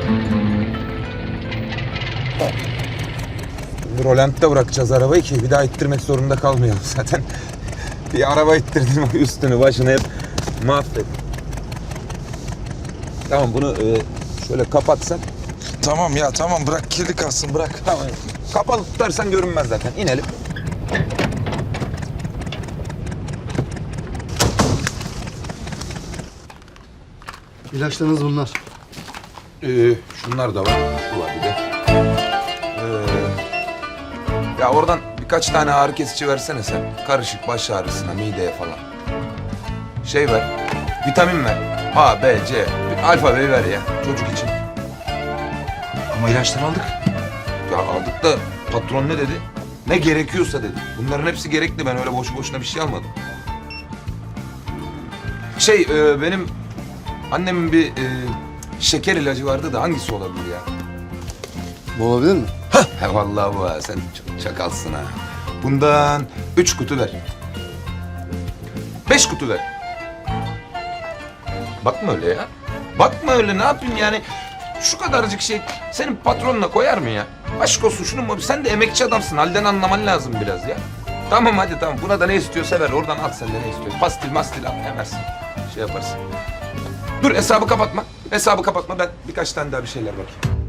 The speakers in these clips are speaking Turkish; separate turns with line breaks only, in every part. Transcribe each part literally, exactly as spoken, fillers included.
Rolant'ta bırakacağız arabayı ki bir daha ittirmek zorunda kalmayalım. Zaten bir araba ittirdim, üstünü başını hep mahvettim. Tamam, bunu e, şöyle kapatsan.
Tamam ya tamam, bırak kirli kalsın, bırak.
Tamam. Kapalı tutarsan görünmez zaten. İnelim.
İlaçlarınız bunlar.
Ee, şunlar da var. Şu var bir de. Ee, ya oradan birkaç tane ağrı kesici versene sen. Karışık baş ağrısına, mideye falan. Şey ver. Vitamin ver. A, B, C. Alfa B'yi ver ya çocuk için.
Ama ilaçları aldık.
Ya aldık da patron ne dedi? Ne gerekiyorsa dedi. Bunların hepsi gerekli. Ben öyle boşu boşuna bir şey almadım. Şey e, benim annemin bir e, şeker ilacı vardı da hangisi olabilir ya?
Bu olabilir mi?
He vallahi bu ha. Sen çok çakalsın ha. Bundan üç kutu ver. Beş kutu ver. Bakma öyle ya. Bakma öyle, ne yapayım yani? Şu kadarcık şey senin patronuna koyar mı ya? Aşk olsun şunun mu? Sen de emekçi adamsın. Halden anlaman lazım biraz ya. Tamam hadi tamam. Buna da ne istiyorsa ver. Oradan al sen de ne istiyorsun. Pastil mastil al. Hemersin. Şey yaparsın. Dur hesabı kapatma. Hesabı kapatma. Ben birkaç tane daha bir şeyler bakayım.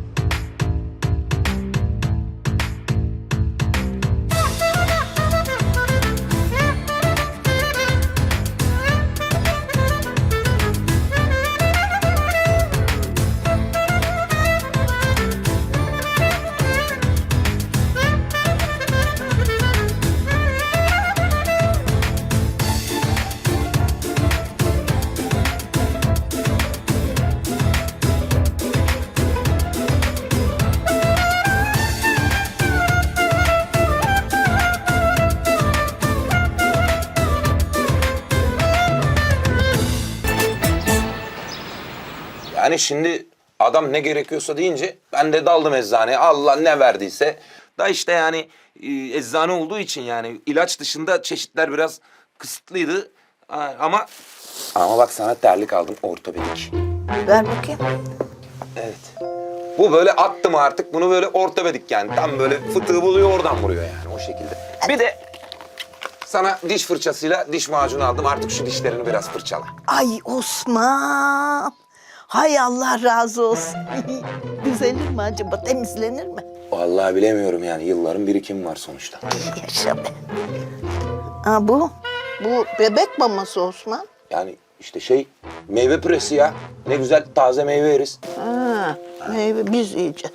Yani şimdi adam ne gerekiyorsa deyince ben de daldım eczaneye. Allah ne verdiyse. Da işte yani e, eczane olduğu için yani ilaç dışında çeşitler biraz kısıtlıydı. Ha, Ama ama bak sana terlik aldım ortopedik.
Ver bakayım.
Evet. Bu böyle attım artık. Bunu böyle ortopedik yani. Tam böyle fıtığı buluyor oradan vuruyor yani o şekilde. Bir de sana diş fırçasıyla diş macunu aldım. Artık şu dişlerini biraz fırçala.
Ay Osman. Hay Allah razı olsun. Düzelir mi acaba? Temizlenir mi?
Vallahi bilemiyorum yani. Yılların birikimi var sonuçta.
Yaşa be. Ha bu? Bu bebek maması Osman.
Yani işte şey meyve püresi ya. Ne güzel taze meyve yeriz.
Ha, meyve biz yiyeceğiz.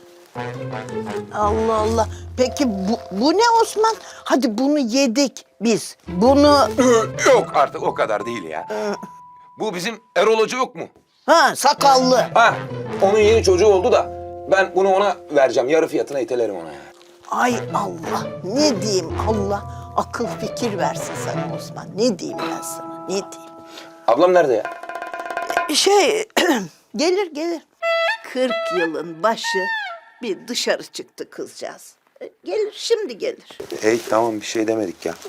Allah Allah. Peki bu, bu ne Osman? Hadi bunu yedik biz. Bunu...
Yok artık o kadar değil ya. Bu bizim Erol Hoca yok mu?
Ha sakallı.
Ha, onun yeni çocuğu oldu da ben bunu ona vereceğim. Yarı fiyatına itelerim ona ya.
Ay Allah. Ne diyeyim Allah. Akıl fikir versin sana Osman. Ne diyeyim ben sana? Ne diyeyim?
Ablam nerede ya?
Şey gelir gelir. Kırk yılın başı bir dışarı çıktı kızcağız. E, Gelir şimdi gelir.
Hey tamam bir şey demedik ya.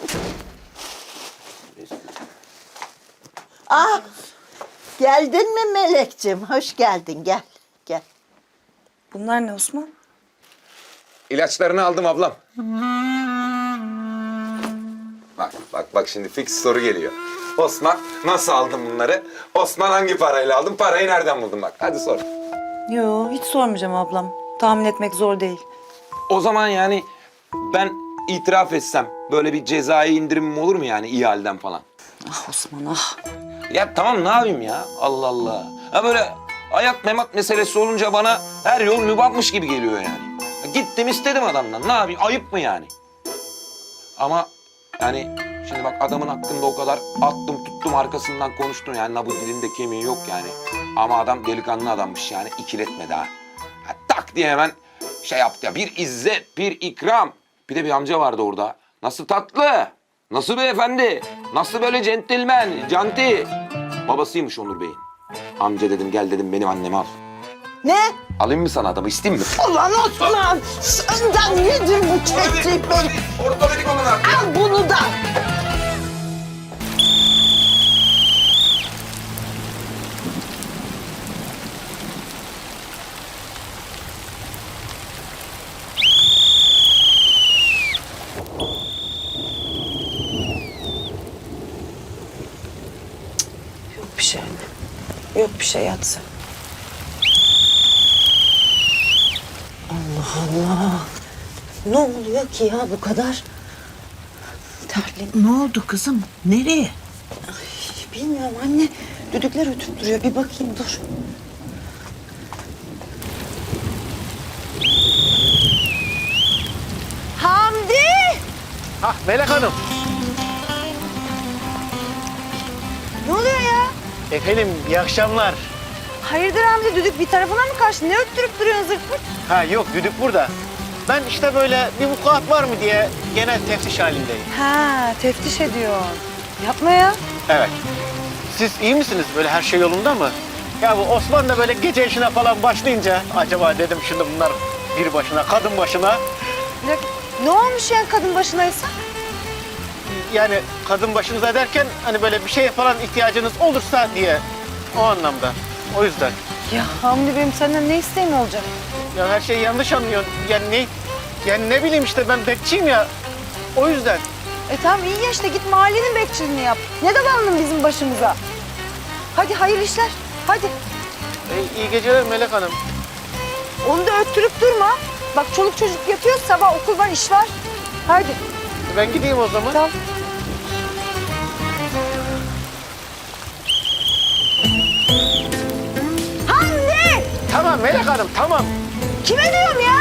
Ah geldin mi Melekciğim? Hoş geldin gel gel.
Bunlar ne Osman?
İlaçlarını aldım ablam. Bak bak bak şimdi fix soru geliyor. Osman nasıl aldın bunları? Osman hangi parayla aldın? Parayı nereden buldun bak? Hadi sor.
Yo, hiç sormayacağım ablam. Tahmin etmek zor değil.
O zaman yani ben itiraf etsem böyle bir cezai indirimim olur mu yani iyi halden falan?
Ah Osman ah.
Ya tamam ne yapayım ya? Allah Allah. Ha böyle hayat memat meselesi olunca bana her yol mübahmış gibi geliyor yani. Ya gittim istedim adamdan. Ne yapayım? Ayıp mı yani? Ama yani şimdi bak adamın hakkında o kadar attım tuttum arkasından konuştum. Yani na bu dilinde kemiği yok yani. Ama adam delikanlı adammış yani ikiletmedi ha. Ha, tak diye hemen şey yaptı ya. Bir izzet, bir ikram. Bir de bir amca vardı orada. Nasıl tatlı, nasıl beyefendi, nasıl böyle centilmen, canti. Babasıymış Onur Bey'in. Amca dedim gel dedim benim annemi al.
Ne?
Alayım mı sana adamı isteyeyim mi?
Ulan Osman senden nedir bu çektik beni?
Ortopedik olun artık.
Al bunu da.
bir şey anne. Yok bir şey yat sen. Allah Allah. Ne oluyor ki ya bu kadar? Terledim.
Ne oldu kızım? Nereye?
Bilmiyorum anne. Düdükler ötüp duruyor. Bir bakayım dur.
Hamdi!
Hah Melek Hanım.
Ne oluyor ya?
Efendim iyi akşamlar.
Hayırdır Hamdi, düdük bir tarafına mı kaçtı? Ne öttürüp duruyorsun zırt pırt?
Ha yok düdük burada. Ben işte böyle bir vukuat var mı diye genel teftiş halindeyim.
Ha, teftiş ediyor. Yapma ya.
Evet. Siz iyi misiniz? Böyle her şey yolunda mı? Ya bu Osman da böyle gece işine falan başlayınca acaba dedim şimdi bunlar bir başına, kadın başına.
Bir dakika, ne olmuş yani kadın başınaysa?
Yani kadın başınıza derken hani böyle bir şeye falan ihtiyacınız olursa diye o anlamda. O yüzden.
Ya Hamdi benim senden ne isteğim olacak?
Ya her şeyi yanlış anlıyorsun. Yani ne yani ne bileyim işte ben bekçiyim ya. O yüzden.
E tamam iyi ya işte git mahallenin bekçiliğini yap. Ne davandın bizim başımıza? Hadi hayırlı işler. Hadi.
E, iyi geceler Melek Hanım.
Onu da öttürüp durma. Bak çoluk çocuk yatıyor, sabah okul var, iş var. Hadi.
Ben gideyim o zaman.
Tamam. Hamdi!
Tamam Melek Hanım tamam.
Kime diyorum ya?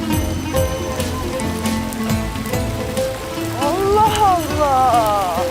Allah Allah!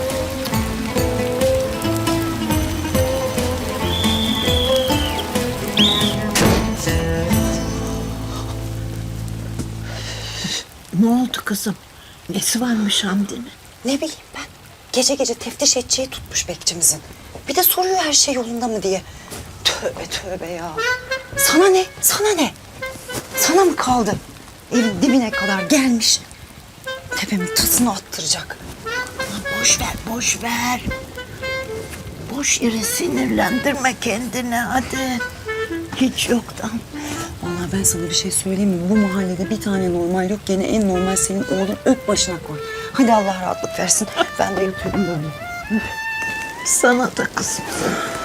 Ne oldu kızım? Nesi varmış Hamdi'nin?
Ne bileyim ben. Gece gece teftiş edeceği tutmuş bekçimizin. Bir de soruyor her şey yolunda mı diye. Tövbe tövbe ya. Sana ne? Sana ne? Sana mı kaldı? Evin dibine kadar gelmiş. Tepemin tasını attıracak.
Aman boş ver, boş ver. Boş yere sinirlendirme kendini hadi. Hiç yoktan.
Vallahi ben sana bir şey söyleyeyim mi? Bu mahallede bir tane normal yok. Gene en normal senin oğlun. Öp başına koy. Hadi Allah rahatlık versin. Ben de yatıyorum böyle.
Sana da kızım.